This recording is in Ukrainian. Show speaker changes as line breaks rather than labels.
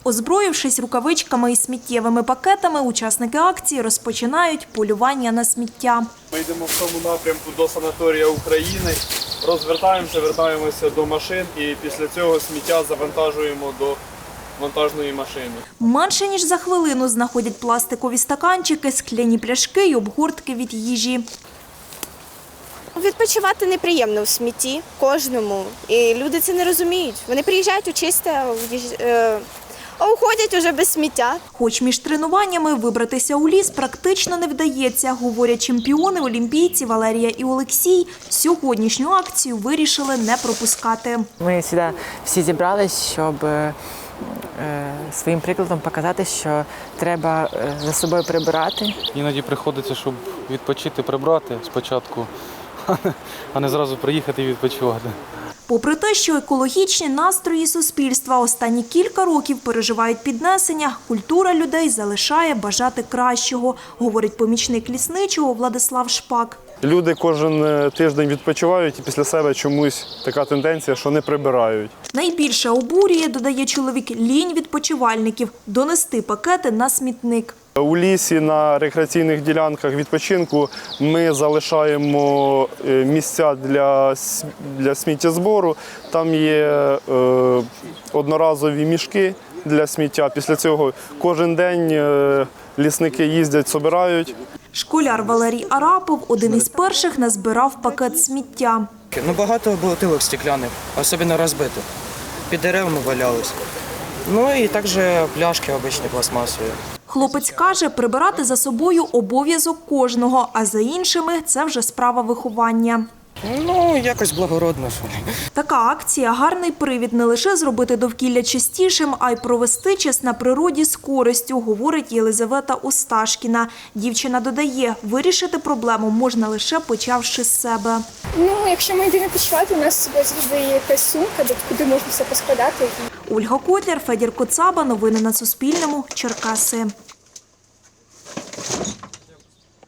Озброївшись рукавичками і сміттєвими пакетами, учасники акції розпочинають полювання на сміття.
Ми йдемо в тому напрямку до санаторія України, розвертаємося, вертаємося до машин і після цього сміття завантажуємо до вантажної машини.
Менше ніж за хвилину знаходять пластикові стаканчики, скляні пляшки й обгортки від їжі.
Відпочивати неприємно в смітті кожному, і люди це не розуміють. Вони приїжджають у чисте, а уходять уже без сміття.
Хоч між тренуваннями вибратися у ліс практично не вдається, говорять чемпіони, олімпійці Валерія і Олексій. Сьогоднішню акцію вирішили не пропускати.
Ми сюди всі зібрались, щоб своїм прикладом показати, що треба за собою прибирати.
Іноді приходиться, щоб відпочити, прибрати спочатку, а не зразу приїхати і відпочивати.
Попри те, що екологічні настрої суспільства останні кілька років переживають піднесення, культура людей залишає бажати кращого, говорить помічник лісничого Владислав Шпак.
Люди кожен тиждень відпочивають і після себе чомусь така тенденція, що не прибирають.
Найбільше обурює, додає чоловік, лінь відпочивальників – донести пакети на смітник.
У лісі на рекреаційних ділянках відпочинку ми залишаємо місця для сміттєзбору. Там є одноразові мішки для сміття. Після цього кожен день лісники їздять, збирають.
Школяр Валерій Арапов один із перших назбирав пакет сміття.
Багато бутилок стекляних, особливо розбитих. Під деревами валялись. І також пляшки обичні пластмасові.
Хлопець каже, прибирати за собою обов'язок кожного, а за іншими – це вже справа виховання.
Якось благородно.
Така акція – гарний привід не лише зробити довкілля чистішим, а й провести час на природі з користю, говорить Єлизавета Осташкіна. Дівчина додає, вирішити проблему можна лише почавши з себе.
Якщо ми йдемо відпочивати, у нас з собою завжди є якась сумка, куди можна все поскладати.
Ольга Котляр, Федір Коцаба. Новини на Суспільному. Черкаси.